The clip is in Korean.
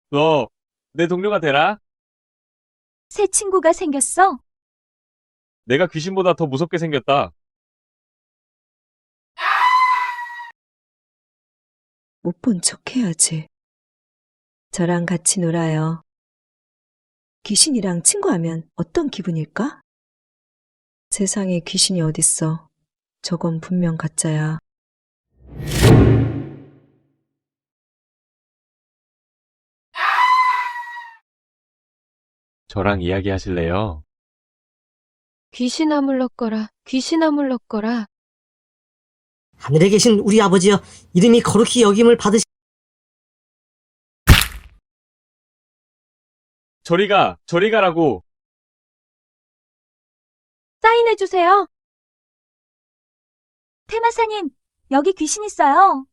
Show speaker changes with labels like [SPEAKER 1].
[SPEAKER 1] 너, 내 동료가 되라?
[SPEAKER 2] 새 친구가 생겼어?
[SPEAKER 1] 내가 귀신보다 더 무섭게 생겼다.
[SPEAKER 3] 못 본 척 해야지. 저랑 같이 놀아요. 귀신이랑 친구하면 어떤 기분일까? 세상에 귀신이 어딨어. 저건 분명 가짜야.
[SPEAKER 1] 저랑 이야기하실래요?
[SPEAKER 4] 귀신아 물러거라, 귀신아 물러거라.
[SPEAKER 5] 하늘에 계신 우리 아버지여, 이름이 거룩히 여김을 받으시.
[SPEAKER 1] 저리 가라고.
[SPEAKER 2] 사인해주세요. 테마사님, 여기 귀신 있어요.